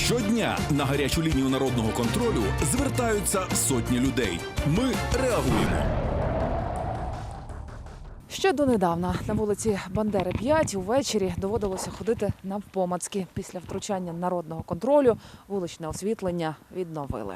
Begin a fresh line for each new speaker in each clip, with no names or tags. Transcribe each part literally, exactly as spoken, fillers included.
Щодня на гарячу лінію народного контролю звертаються сотні людей. Ми реагуємо.
Ще донедавна на вулиці Бандери п'ять увечері доводилося ходити навпомацьки. Після втручання народного контролю вуличне освітлення відновили.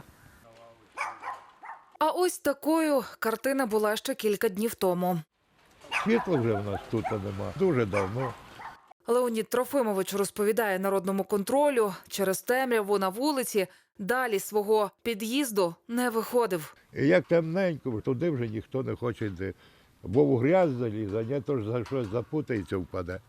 А ось такою картина була ще кілька днів тому.
Світла вже в нас тут нема. Дуже давно.
Леонід Трофимович розповідає народному контролю, через темряву на вулиці далі свого під'їзду не виходив.
І як темненько, туди вже ніхто не хоче йти. Бо в грязь залізе, не то ж за щось запутається, впаде.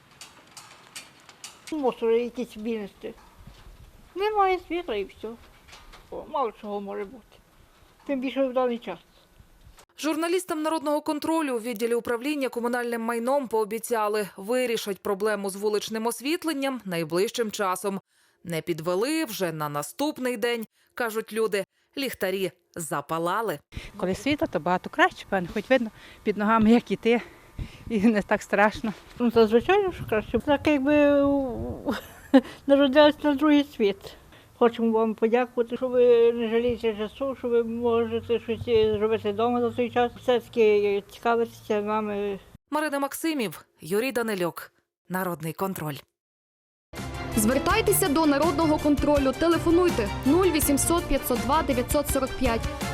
Мусори якісь винести. Немає світла і все. О, мало чого може бути. Тим більше в даний час.
Журналістам народного контролю у відділі управління комунальним майном пообіцяли, вирішать проблему з вуличним освітленням найближчим часом. Не підвели вже на наступний день, кажуть люди, ліхтарі запалали.
Коли світло, то багато краще, певно, хоч видно під ногами, як іти, і не так страшно.
Ну, це звичайно, що краще. Так якби народилися на другий світ. Хочемо вам подякувати, що ви не жалієте часу, що ви можете щось зробити вдома за той час. Все-таки цікавитися нами.
Марина Максимів, Юрій Данилюк. Народний контроль.
Звертайтеся до народного контролю. Телефонуйте нуль вісімсот п'ятсот два дев'ятсот сорок п'ять.